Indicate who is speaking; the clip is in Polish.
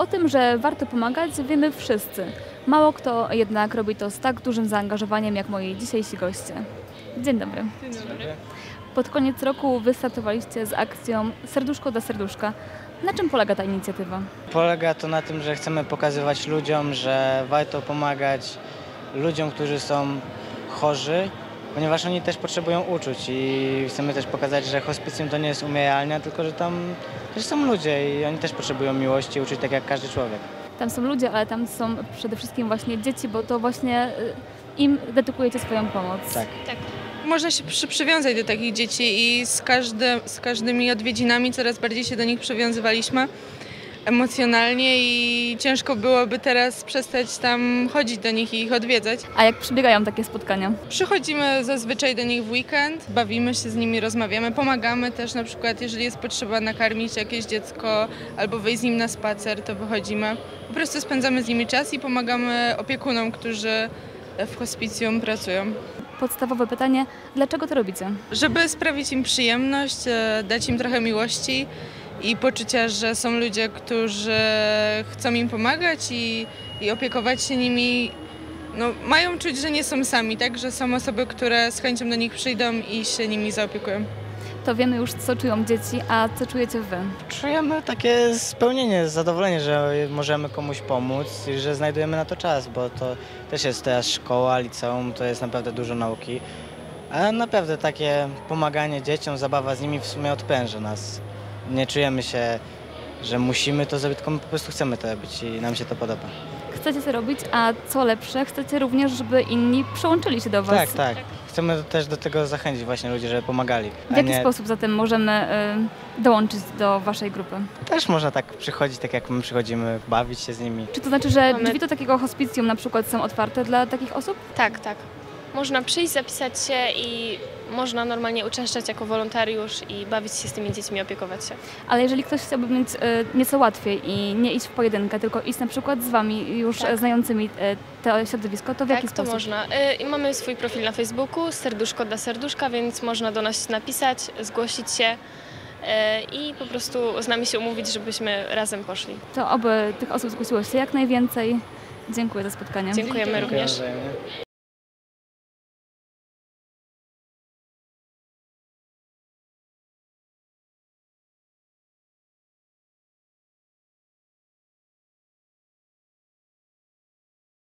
Speaker 1: O tym, że warto pomagać, wiemy wszyscy. Mało kto jednak robi to z tak dużym zaangażowaniem jak moi dzisiejsi goście. Dzień dobry.
Speaker 2: Dzień dobry.
Speaker 1: Pod koniec roku wystartowaliście z akcją Serduszko dla Serduszka. Na czym polega ta inicjatywa?
Speaker 3: Polega to na tym, że chcemy pokazywać ludziom, że warto pomagać ludziom, którzy są chorzy, ponieważ oni też potrzebują uczuć i chcemy też pokazać, że hospicjum to nie jest umieralnia, tylko że tam też są ludzie i oni też potrzebują miłości i uczuć tak jak każdy człowiek.
Speaker 1: Tam są ludzie, ale tam są przede wszystkim właśnie dzieci, bo to właśnie im dedykujecie swoją pomoc.
Speaker 3: Tak.
Speaker 2: Można się przywiązać do takich dzieci i z każdymi odwiedzinami coraz bardziej się do nich przywiązywaliśmy emocjonalnie i ciężko byłoby teraz przestać tam chodzić do nich i ich odwiedzać.
Speaker 1: A jak przebiegają takie spotkania?
Speaker 2: Przychodzimy zazwyczaj do nich w weekend, bawimy się z nimi, rozmawiamy, pomagamy też na przykład, jeżeli jest potrzeba nakarmić jakieś dziecko albo wyjść z nim na spacer, to wychodzimy. Po prostu spędzamy z nimi czas i pomagamy opiekunom, którzy w hospicjum pracują.
Speaker 1: Podstawowe pytanie, dlaczego to robicie?
Speaker 2: Żeby sprawić im przyjemność, dać im trochę miłości i poczucia, że są ludzie, którzy chcą im pomagać i opiekować się nimi. No, mają czuć, że nie są sami, tak? Że są osoby, które z chęcią do nich przyjdą i się nimi zaopiekują.
Speaker 1: To wiemy już, co czują dzieci, a co czujecie wy?
Speaker 3: Czujemy takie spełnienie, zadowolenie, że możemy komuś pomóc i że znajdujemy na to czas, bo to też jest teraz szkoła, liceum, to jest naprawdę dużo nauki. A naprawdę takie pomaganie dzieciom, zabawa z nimi w sumie odpręża nas. Nie czujemy się, że musimy to zrobić, tylko my po prostu chcemy to robić i nam się to podoba.
Speaker 1: Chcecie to robić, a co lepsze, chcecie również, żeby inni przyłączyli się do was.
Speaker 3: Tak. Chcemy też do tego zachęcić właśnie ludzi, żeby pomagali.
Speaker 1: W jaki sposób zatem możemy dołączyć do waszej grupy?
Speaker 3: Też można tak przychodzić, tak jak my przychodzimy, bawić się z nimi.
Speaker 1: Czy to znaczy, że drzwi do takiego hospicjum na przykład są otwarte dla takich osób?
Speaker 4: Tak. Można przyjść, zapisać się i można normalnie uczęszczać jako wolontariusz i bawić się z tymi dziećmi, opiekować się.
Speaker 1: Ale jeżeli ktoś chciałby mieć nieco łatwiej i nie iść w pojedynkę, tylko iść na przykład z wami już znającymi to środowisko, to w jaki sposób?
Speaker 4: To można. Mamy swój profil na Facebooku, Serduszko dla Serduszka, więc można do nas napisać, zgłosić się i po prostu z nami się umówić, żebyśmy razem poszli.
Speaker 1: To oby tych osób zgłosiło się jak najwięcej. Dziękuję za spotkanie.
Speaker 4: Dziękujemy również.